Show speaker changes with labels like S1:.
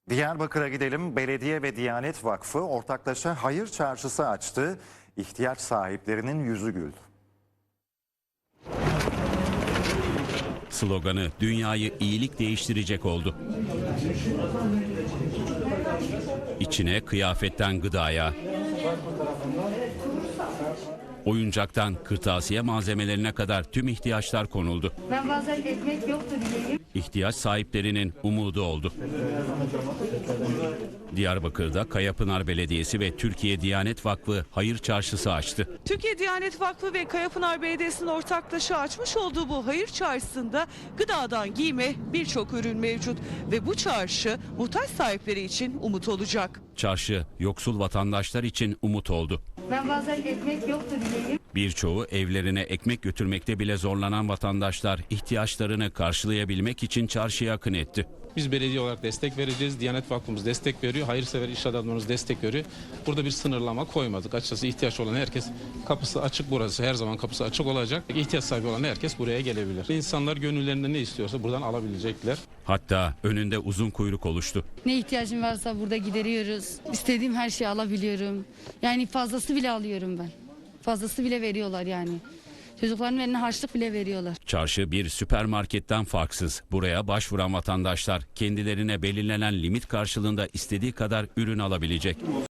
S1: Diyarbakır'a gidelim. Belediye ve Diyanet Vakfı ortaklaşa hayır çarşısı açtı. İhtiyaç sahiplerinin yüzü güldü.
S2: Sloganı dünyayı iyilik değiştirecek oldu. İçine kıyafetten gıdaya, oyuncaktan kırtasiye malzemelerine kadar tüm ihtiyaçlar konuldu.
S3: Ben bazen ekmek yoktu diyeyim.
S2: İhtiyaç sahiplerinin umudu oldu. Diyarbakır'da Kayapınar Belediyesi ve Türkiye Diyanet Vakfı hayır çarşısı açtı.
S4: Türkiye Diyanet Vakfı ve Kayapınar Belediyesi'nin ortaklaşa açmış olduğu bu hayır çarşısında gıdadan giyime birçok ürün mevcut ve bu çarşı muhtaç sahipleri için umut olacak.
S2: Çarşı yoksul vatandaşlar için umut oldu.
S3: Ben bazen ekmek yoktu diyeyim.
S2: Birçoğu evlerine ekmek götürmekte bile zorlanan vatandaşlar ihtiyaçlarını karşılayabilmek için çarşıya akın etti.
S5: Biz belediye olarak destek vereceğiz. Diyanet Vakfımız destek veriyor. Hayırsever iş adamlarımız destek veriyor. Burada bir sınırlama koymadık. Açıkçası ihtiyaç olan herkes, kapısı açık burası. Her zaman kapısı açık olacak. İhtiyaç sahibi olan herkes buraya gelebilir. İnsanlar gönüllerinde ne istiyorsa buradan alabilecekler.
S2: Hatta önünde uzun kuyruk oluştu.
S6: Ne ihtiyacım varsa burada gideriyoruz. İstediğim her şeyi alabiliyorum. Yani fazlası bile alıyorum ben. Fazlası bile veriyorlar yani. Çocukların eline harçlık bile veriyorlar.
S2: Çarşı bir süpermarketten farksız. Buraya başvuran vatandaşlar kendilerine belirlenen limit karşılığında istediği kadar ürün alabilecek.